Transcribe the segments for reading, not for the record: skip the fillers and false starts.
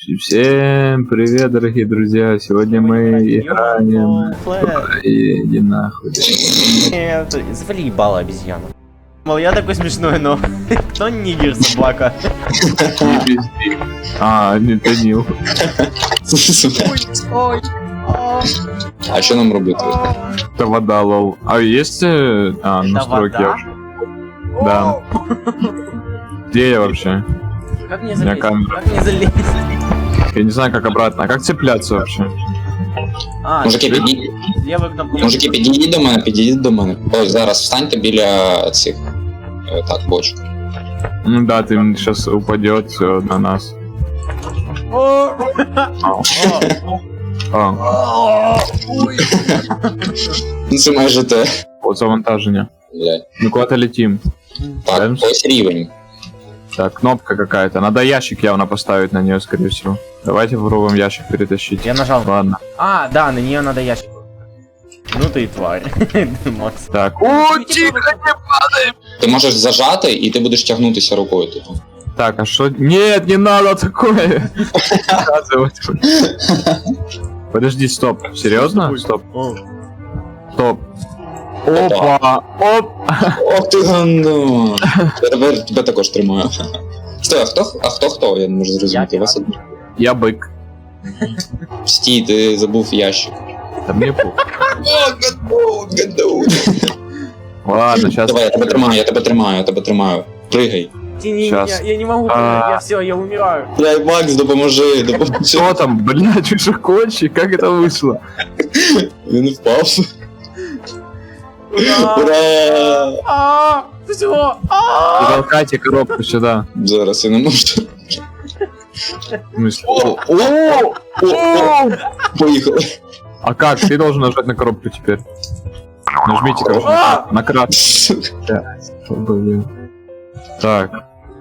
Всем привет, дорогие друзья! Сегодня мы играем... Иди нахуй. Завали ебало обезьяну. Мол, я такой смешной, но кто нигер, собака? Не Данил. Ой. А что нам робити? Это вода, лол. А есть... настройки? Да. Где я вообще? Как мне залезть? Как мне залезть? Я не знаю, как обратно. А как цепляться вообще? Мужики, підійдіть до мене. Ось зараз встаньте біля цих... Так, бочок. Ну да, ты сейчас упадет все на нас. Ну це майже те. Вот завантажение. Мы куда-то летим. Так, ось рівень. Так, кнопка какая-то. Надо ящик явно поставить на нее, скорее всего. Давайте попробуем ящик перетащить. Я нажал. Ладно. Да, на нее надо ящик. Ну ты тварь. Макс. Так. О, тихо, не падай! Ти можеш зажати, і ти будеш тягнутися рукою тут. Так, а что? Нет, не надо такое. Подожди, стоп. Серьезно? Стоп. Стоп. Опа! Оп! Ох ти гандон! Тепер тебе також тримаю. Стой, а хто? Я не можу зрозуміти. Вас одне. Я бык. Стій, ти забув ящик. Да мне пух. Гандон. Ладно, сейчас. Давай, я тебе тримаю. Пригай. Сейчас. Я не могу, я все, я умираю. Блядь, Макс, допоможи. Что там, блядь, ты же кончик? Как это вышло? Він впав. Ура! Все! Толкайте коробку сюда. Зараз я не можу. В смысле? Поїхали. А как? Ты должен нажать на коробку теперь. Нажмите, короче, на крат. Блин. Так.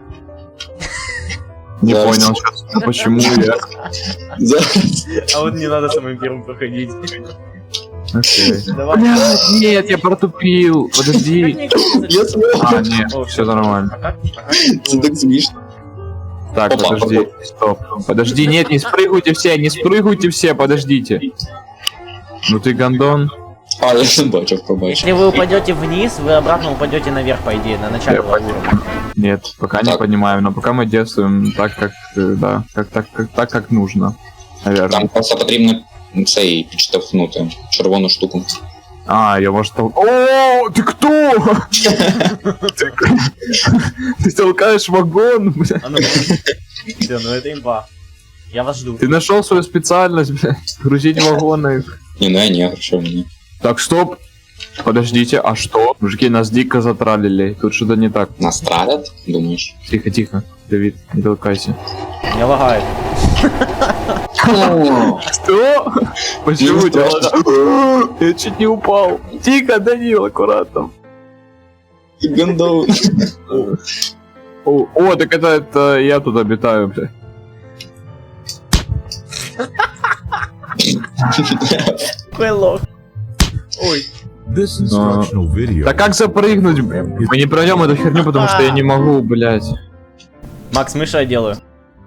Не Зараз. понял сейчас, почему я... Зараз. А вот не надо самым первым проходить. Окей. Давай. Блядь, нет, я протупил. Подожди. Я смог. Нет, все нормально. Це так смішно. Так, Опа, подожди, стоп. Подожди, нет, не спрыгивайте все, подождите. Ну ты гондон. А, я не бачив, побачив. Если вы упадете вниз, вы обратно упадете наверх, по идее, на начало. Нет, пока не Так. понимаем, но пока мы действуем так, как, да, так, как нужно. Наверное. Там просто потрібно цей підштовхнути червону штуку. Я может О, ты кто? Ты толкаешь вагон, бля. А ну, все, ну это имба. Я вас жду. Ты нашел свою специальность, бля. Грузить вагоны. Ні, що мені. Так, стоп. Подождите, а что? Мужики, нас дико затралили. Тут что-то не так. Нас травять, думаєш? Тихо, Давид, не толкайся. Меня лагает. Что? Почему Не тебя я чуть не упал. Тихо, Данил, аккуратно. Гандон. О, так это я тут обитаю, бля. Какой лох. Ой. This instructional video. Да как запрыгнуть, бля? Мы не пройдем эту херню, потому что я не могу, блядь. Макс, мыша я делаю.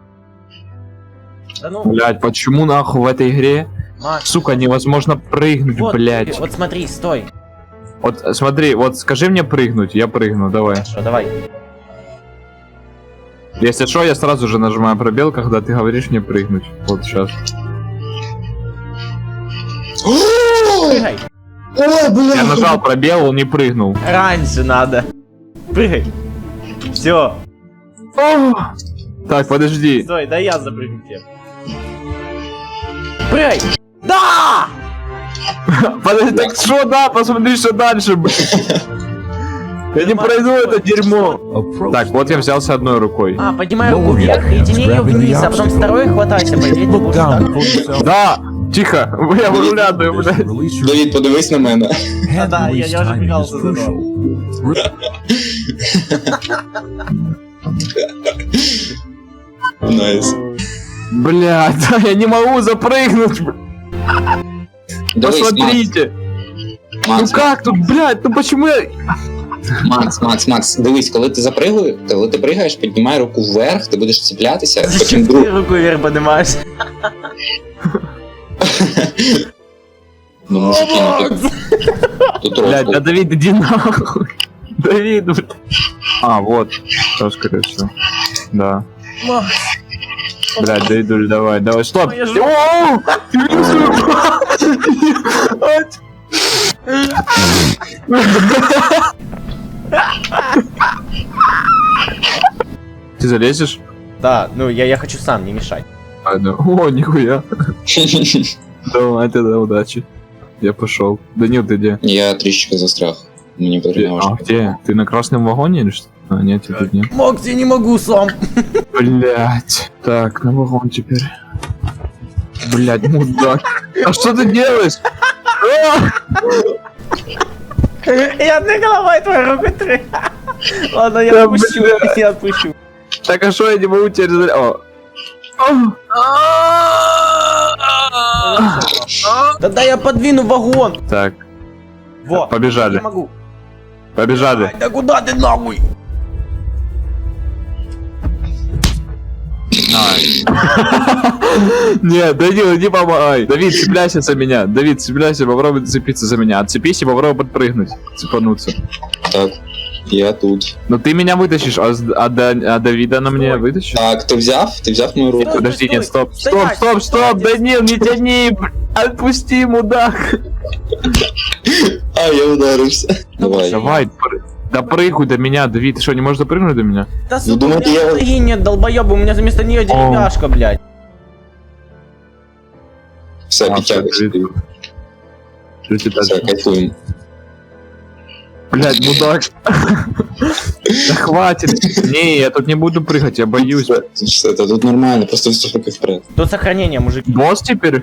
Да ну, Блядь, почему нахуй в этой игре, Макс. сука, невозможно прыгнуть, Вот, блядь? вот смотри, стой. Вот смотри, вот скажи мне прыгнуть, я прыгну, давай. Хорошо, давай. Если что, я сразу же нажимаю пробел, когда ты говоришь мне прыгнуть. Вот сейчас. Прыгай. Ой, бля! Я нажал пробел, он не прыгнул. Раньше надо. Прыгай. Все. Так, подожди. Стой, да я запрыгну тебе. Прыгай. Да! Подожди, так что, да, посмотри, что дальше, блядь. Я не пройду это дерьмо. Так, вот я взялся одной рукой. Поднимай руку вверх и тяни ее вниз, а потом второй хватайся, по идее, ты Look будешь down так. before you fell. Да, тихо, я выруляю, блядь. Release your Давід, подивись на мене. hand Да, я release уже timing бегал is за crucial. Найс. Блядь, да, я не могу запрыгнуть, блядь. Дивись, Посмотрите. Ну Макс, как тут, блядь, ну почему я... Макс, дивись, коли ти пригаєш, піднімай руку вверх, ти будеш цеплятися, потім Зачем друг... ты руку вверх поднимаешь? Ну, мужики, ну тут Блядь, розкол. да Давид, иди нахуй. Давид, блядь. А, вот. Что, скорее всего. Да. Макс, Блядь, Давидуль, давай, стоп. Моя жопа. О, ты Ты залезешь? Да, ну я хочу сам, не мешай. А, да. О, нихуя. Давай, тогда удачи. Я пошел. Данил, ты где? Я трішечки застряг. Мені потрібно А, где? Ты на красном вагоне или что? А, нет, тебя тут нет. Макс, я не могу сам. Блять. Так, на вагон теперь. Блять, мудак. А что ты делаешь? А! Я одной головой твою руку три. Ладно, я Да, отпущу, блядь. я отпущу. Так, а что я не могу теперь... О. Тогда я подвину вагон. Так, Во. побежали. Не могу. Побежали. Ай, да куда ты нахуй? Нет, Данил, не помогай. Давид, цепляйся за меня. Давид, цепляйся, попробуй зацепиться за меня. Отцепись и попробуй подпрыгнуть. Цепануться. Так, я тут. Но ты меня вытащишь, а Давида на мне вытащишь? Так, ти взяв мою руку? Подожди, стой, нет, стоп, стоять, стоп, стоять. Данил, не тяни, отпусти, мудак. А, я ударився. Давай. Давай, допрыгуй до меня, Давид, ты что, не можешь допрыгнуть до меня? Да Ну, сука, у думаете, меня я- ноги нет, долбоёбы, у меня вместо нее деревяшка, блядь. Все, А, підтягуйся. Давид. Что тебе Все, дальше? кайфуємо. Блядь, мудак. Да хватит. Не, я тут не буду прыгать, я боюсь. Все, та тут нормально, просто все руки вперед. Тут сохранение, мужики. Босс теперь?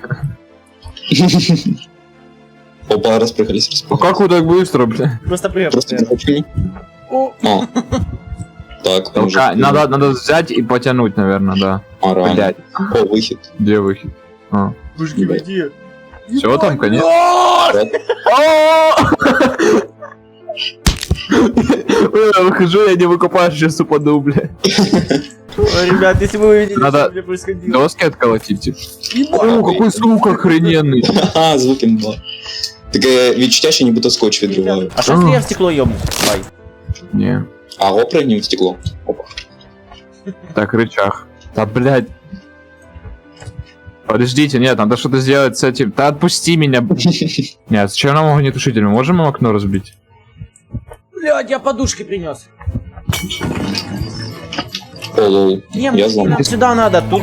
Опа, розпрыгались. Ну как вы так быстро, бля? Просто привет. Просто захочу. О, О. Так, Толка- Надо взять и потянуть, наверное, да. А, реально. Блядь, О, вихід. где выход? А. мужики, вы где? Все там, конец? Я выхожу, я не выкупаю, сейчас упаду, бля. Ой, ребят, если вы увидели, Надо- что мне происходило. Доски отколотить, типа. Ебать. О, какой звук охрененный. Ха, звуки мало. Таке відчуття, що нібито скотч відриваю. А что если я в стекло ёбну? Давай. Не. А опригнув в стекло. Опа. Так, рычаг. Да, блядь. Подождите, нет, надо что-то сделать с этим. Да отпусти меня. Нет, зачем нам огнетушитель? Мы можем окно разбить? Блядь, я подушки принес. О, лол. Не, Я мне зломал. сюда надо, тут.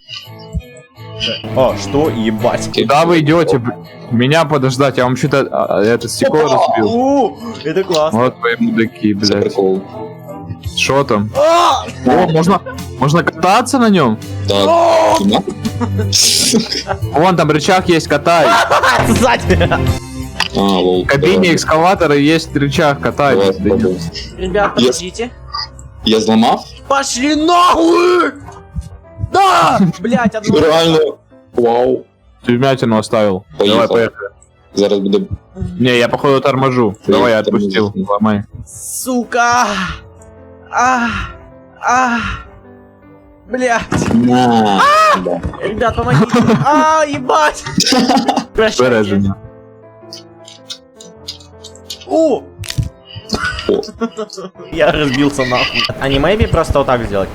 О, что, ебать. Куда вы идете? Меня подождать, я вам что-то это стекло разбил. О, это классно. Вот вы мудаки, Це блядь. прикол. Что там? А! О, можно кататься на нем? Так. О, Кіно? Вон там рычаг есть, катай. сзади. А, лол. В кабине экскаватора есть рычаг, катай. Давай, Да нет. спробуй. Ребят, подождите. Я зламав? Пошли нахуй! Да! Блять, одно. Реально. Вау. Ты вмятину оставил. Поехал. Давай, поехали. Зараз буде. Не, я походу торможу. Ты Давай, я тормозишь. отпустил. Ломай. Сука! Блять! На. Да. Ребят, помогите! Ебать! Прощайте. Береження. О! О. Я разбился нахуй. А не maybe просто вот так сделать?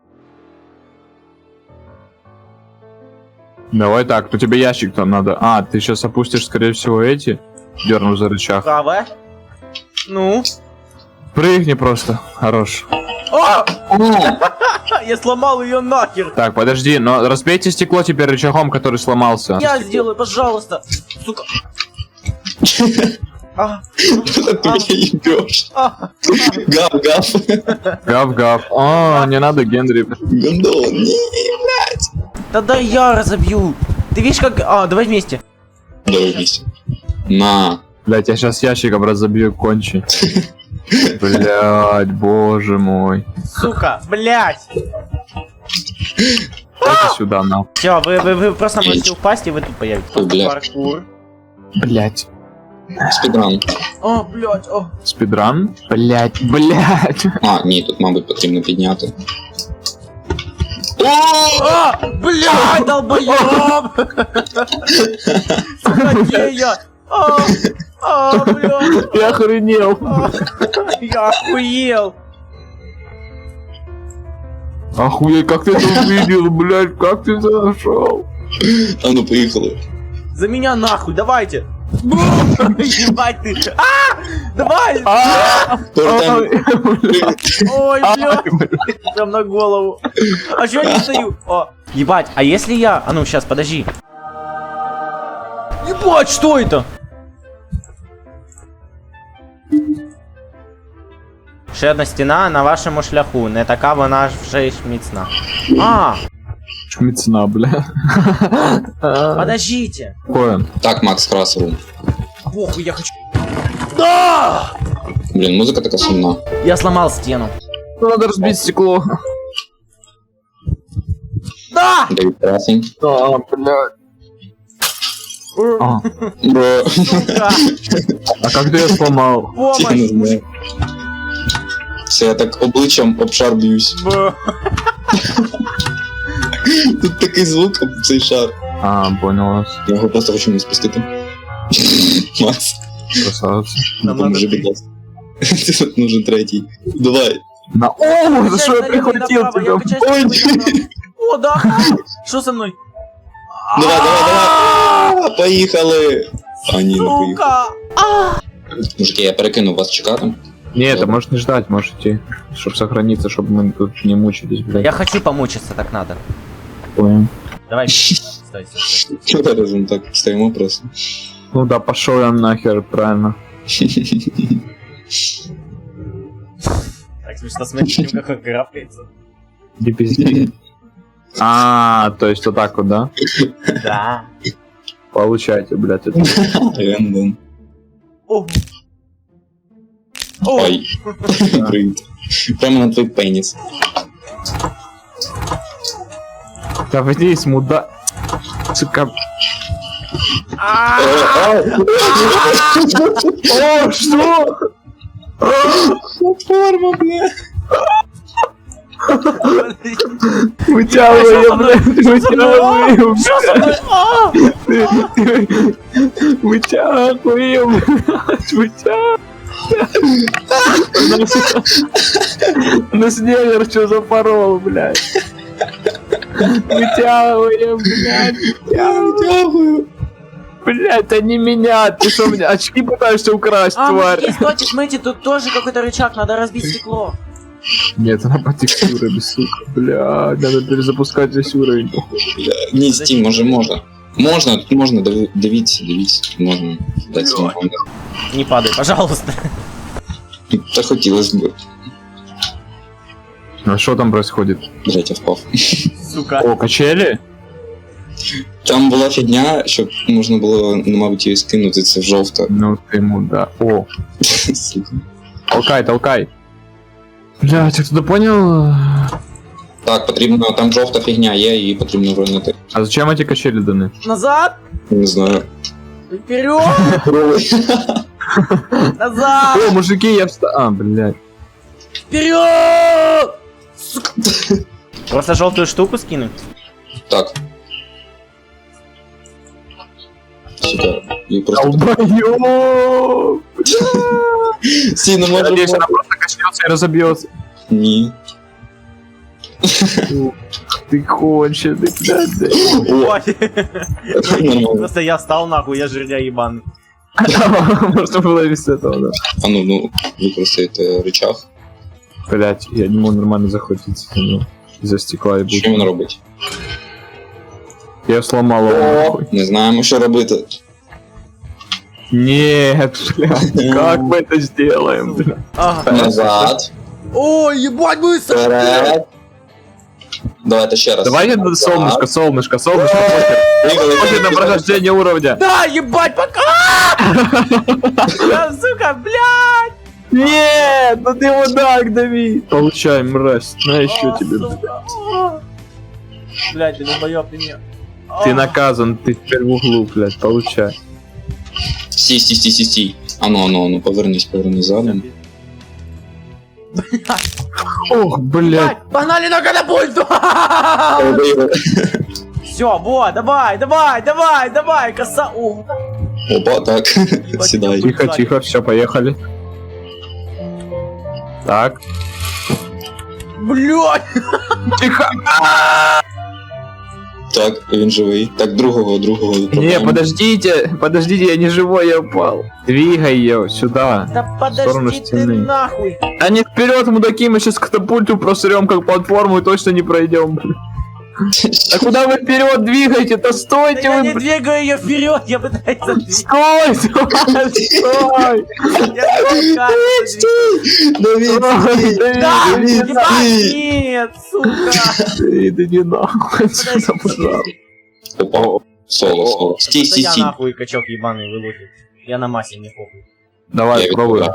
Давай так, то тебе ящик там надо. А, ты сейчас опустишь, скорее всего, эти. Дерну за рычаг. Правая. Ну? Прыгни просто. Хорош. А! Я сломал ее нахер! Так, подожди, но разбейте стекло теперь рычагом, который сломался. Я сделаю, пожалуйста! Сука! А, Ты меня ебешь. а. Гав. Гав-гав. О, не надо, Генри. Гондон. Не. Да дай я разобью! Ты видишь как... А, давай вместе. Давай вместе. На. Блять, я сейчас ящиком разобью кончи. Блять, боже мой. Сука, блять! Дайте сюда, на. Все, вы просто можете упасть и вы тут появитесь. Ой, блядь. Паркур. Блять. Спідран. О, блядь, о. Спідран? Блять. А, ні, тут, мабуть, потрібно підняти. А, блядь, долбоёб! Сука, где я? Блядь, Я охренел. я охуел. Охуеть, как ты это увидел, блять, как ты это нашел? А ну, поїхали. За меня нахуй, давайте. Ебать ты. Давай. Повертаємо. Ой, блядь. Прям на голову. А чё я не стою? О, ебать, а если я... А ну, сейчас, подожди. Ебать, что это? Ще одна стіна на вашому шляху, не така вона ж вже й міцна. А, Шмицна, бля. подождите. Какое? Так, Макс Красову. Похуй, я хочу... Да! Блін, музика така сумна. Я сломал стену. Надо разбить стекло. Да! Дэвид Красень. А, блядь. А, Бро. Сука! а как ты ее сломал? Я не Помощь! знаю. Все, я так обличчям об шар б'юсь. Б. Тут такий звук об цей шар. А, понял вас. Я його просто хочу не спустити. Макс, Красавец. Нам допоможи, надо будь ласка. Тут нужен третій. Давай. На... О, за что я прихватил Я тебя? качаюсь Ой, налево и направо. О, да! Что со мной? Давай. Поїхали. А ні, не поїхали. Сука! Мужики, я перекину вас чекати. Не, это можешь не ждать, можешь идти. Чтоб сохраниться, чтобы мы тут не мучились, блядь. Я хочу помучиться, так надо. Понял. Давай. Стой, стой, стой. Разом так стоїмо просто. Ну да, пошел я нахер, правильно. Так смешно смотреть, как он графкается. Иди пизди. А, то есть вот так вот, да? Да. Получайте, блядь, это. Рендом. О. О. Ой. Привіт. Прямо на твій пеніс. Да иди, муда... Сука. О, что? Платформа, бля. Вытягивай, блядь, вытягивай, Что со мной? А! вытягивай, блядь, вытягивай. Нас негр что запорол, блядь. Вытягиваем, блядь, Дякую. блядь, это не меня, ты что, мне очки пытаешься украсть, А, тварь? мужики, стойте, смотрите, тут тоже какой-то рычаг, надо разбить стекло. Нет, она по текстуре, без сука, блядь, надо перезапускать весь уровень. Бля, ні, Стім, може можна. Можна, тут можна, дивіться, можна дати свій комент. Не падай, пожалуйста. Та хотілося б. А что там происходит? Блять, я впав. Сука. О, качели? Там була фігня, щоб можна було, ну, мабуть, її скинути, це жовта. Ну ты муда. О, Сука. толкай. Блядь, я туда понял? Так, потрібно, там жовта фігня є, її потрібно вернути. А зачем эти качели даны? Назад! Не знаю. Вперед! Назад! О, мужики, я встал. А, блядь. Вперед! Сука. Просто желтую штуку скинуть? Так. Сука, її просто... Долбоёб! Стій, не Я може надеюсь, бути. она просто качнется и разобьется. Ні. Ты конченый, блядь. Ой. Нормально. Просто я встал нахуй, я жирня ебан. Можно было без этого, да. А ну, використаєте рычаг. Блядь, я не могу нормально захватиться из-за стекла и Що він будет. робить? Я сломал его, нахуй. Не знаємо, що робити. Нет, блядь, как мы это сделаем, блядь? Ага. Назад. Ой, ебать, быстро! Вперед. Давайте ще раз. Давай Назад. солнышко, похер. Поїхали, Похер на прохождение уровня. Да, ебать, пока! Да, сука, блядь! Нет, ну ты вот так дави. Получай, мразь, на еще А, тебе. сука. Блядь, ты долбоёб, ты не... Ты наказан, ты теперь в углу, блядь, получай. Стій. Ану, повернись задом. Ох, блядь. Ебать, погнали на катапульту! Все, вот, давай, коса. О, Опа, так, сідай. Тихо, все, поехали. Так. блядь! Тихо. Так, він живий. Так, другого. Не, подождите, я не живой, я упал. Двигай ее сюда. Да сторону подожди ты стены. нахуй! А не вперед, мудаки, мы сейчас катапульту просрем как платформу и точно не пройдем. А куда вы вперед двигаете? Да Да стойте я вы, не двигаю ее вперед, я пытаюсь задвигать. Стой! Стой! Давид, Да, Давид, ебать, нет, сука! Да не нахуй отсюда, пожалуйста. Опа, соло. Стій. Да я нахуй качок ебаный вылупит. Я на массе, не похуй. Давай, пробуй.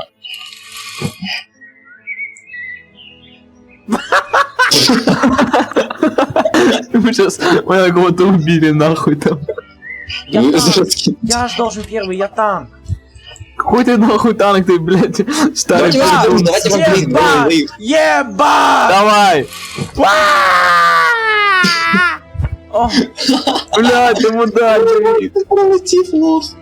Мы сейчас моего кого-то убили нахуй там. Я ж должен первый, я танк. Какой ты нахуй танк, ты, блядь, старый придурок. Давайте Ебать! Ебать! Давай! О, Блядь, ты мудак, Давид. Пролетів лох.